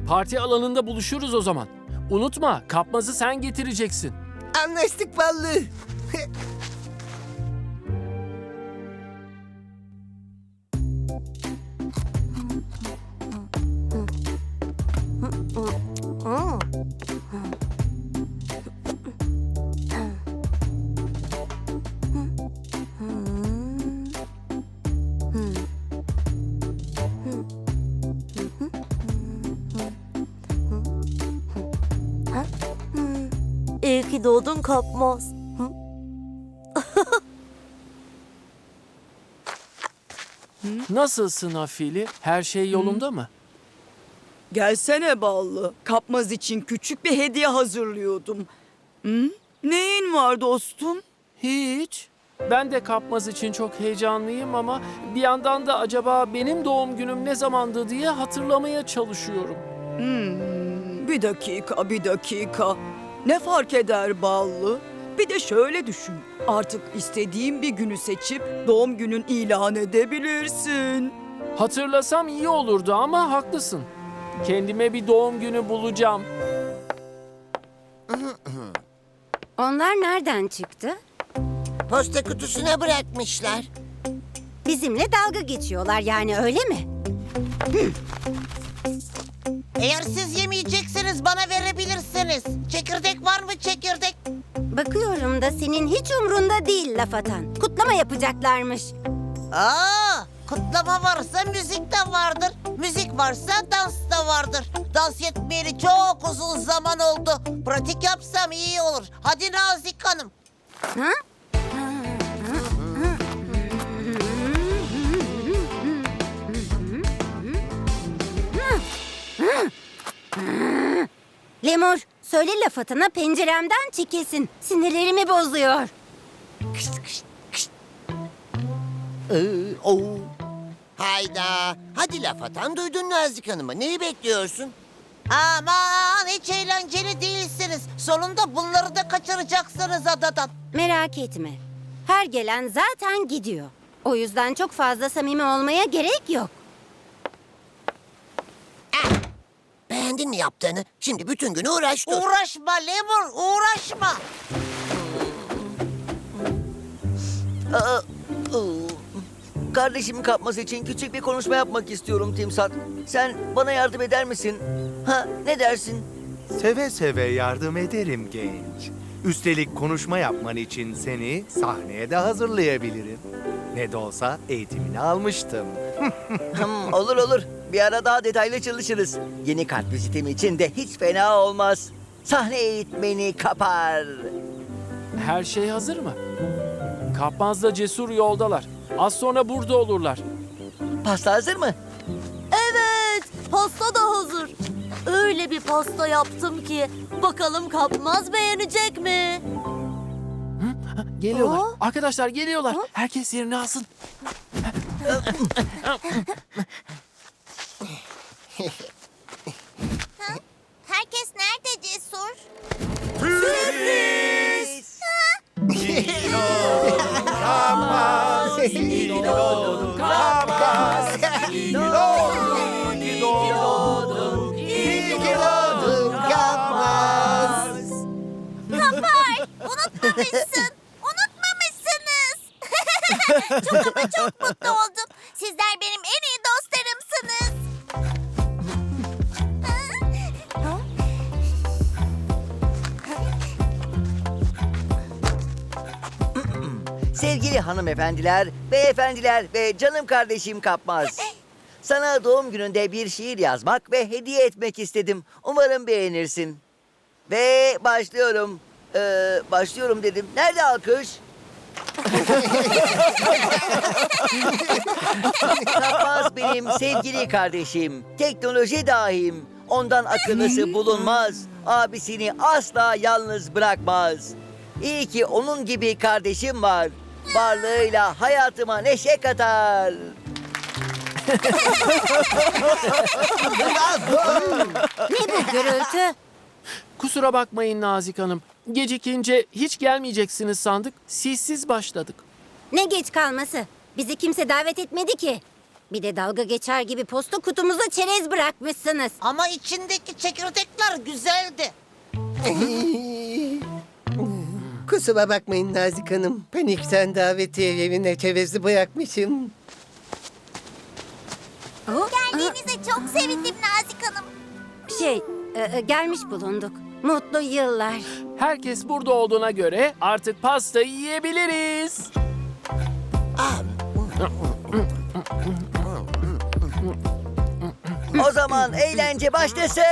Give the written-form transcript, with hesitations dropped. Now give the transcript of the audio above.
Parti alanında buluşuruz o zaman. Unutma, kapmazı sen getireceksin. Anlaştık ballı. İyi ki doğdun kapmaz. Nasılsın Afili? Her şey yolunda mı? Gelsene ballı. Kapmaz için küçük bir hediye hazırlıyordum. Hı? Neyin var dostum? Hiç. Ben de kapmaz için çok heyecanlıyım ama bir yandan da acaba benim doğum günüm ne zamandı diye hatırlamaya çalışıyorum. Bir dakika, bir dakika. Ne fark eder ballı? Bir de şöyle düşün. Artık istediğin bir günü seçip doğum günün ilan edebilirsin. Hatırlasam iyi olurdu ama haklısın. Kendime bir doğum günü bulacağım. Onlar nereden çıktı? Posta kutusuna bırakmışlar. Bizimle dalga geçiyorlar yani, öyle mi? Eğer siz yemeyecekseniz bana verebilirsiniz. Çekirdek var mı çekirdek? Bakıyorum da senin hiç umrunda değil laf atan. Kutlama yapacaklarmış. Kutlama varsa müzik de vardır. Müzik varsa dans da vardır. Dans yetmeyeli çok uzun zaman oldu. Pratik yapsam iyi olur. Hadi Nazik Hanım. Ha? Lemur, söyle laf atana penceremden çekilsin. Sinirlerimi bozuyor. Hayda. Hadi laf atan, duydun Nazik Hanım'ı. Neyi bekliyorsun? Aman hiç eğlenceli değilsiniz. Sonunda bunları da kaçıracaksınız adadan. Merak etme. Her gelen zaten gidiyor. O yüzden çok fazla samimi olmaya gerek yok. Beğendin mi yaptığını? Şimdi bütün gün uğraş dur. Uğraşma Lemur, uğraşma. Kardeşimin kapması için küçük bir konuşma yapmak istiyorum Timsat. Sen bana yardım eder misin? Ha, ne dersin? Seve seve yardım ederim genç. Üstelik konuşma yapman için seni sahneye de hazırlayabilirim. Ne de olsa eğitimini almıştım. Olur olur. Bir ara daha detaylı çalışırız. Yeni kart vizitim için de hiç fena olmaz. Sahne eğitmeni kapar. Her şey hazır mı? Kapmazla Cesur yoldalar. Az sonra burada olurlar. Pasta hazır mı? Evet, pasta da hazır. Öyle bir pasta yaptım ki bakalım kapmaz beğenecek mi? Geliyorlar. Aa. Arkadaşlar geliyorlar. Herkes yerini alsın. Herkes nerede Cesur? Unutmamışsın. Unutmamışsınız. çok mutlu oldum. Sizler benim en iyi dostlarımsınız. Sevgili hanımefendiler, beyefendiler ve canım kardeşim Kapmaz. Sana doğum gününde bir şiir yazmak ve hediye etmek istedim. Umarım beğenirsin. Ve başlıyorum. Başlıyorum dedim. Nerede alkış? Kapmaz benim sevgili kardeşim. Teknoloji dahim. Ondan akıllısı bulunmaz. Abisini asla yalnız bırakmaz. İyi ki onun gibi kardeşim var. Varlığıyla hayatıma neşe katar. Ne bu gürültü? Kusura bakmayın Nazik Hanım. Gecikince hiç gelmeyeceksiniz sandık. Sizsiz başladık. Ne geç kalması? Bizi kimse davet etmedi ki. Bir de dalga geçer gibi posta kutumuza çerez bırakmışsınız. Ama içindeki çekirdekler güzeldi. Kusura bakmayın Nazik Hanım. Panikten davetiye evine çerezi bırakmışım. Geldiğinize çok sevindim Nazik Hanım. Gelmiş bulunduk. Mutlu yıllar. Herkes burada olduğuna göre artık pastayı yiyebiliriz. O zaman eğlence başlasın.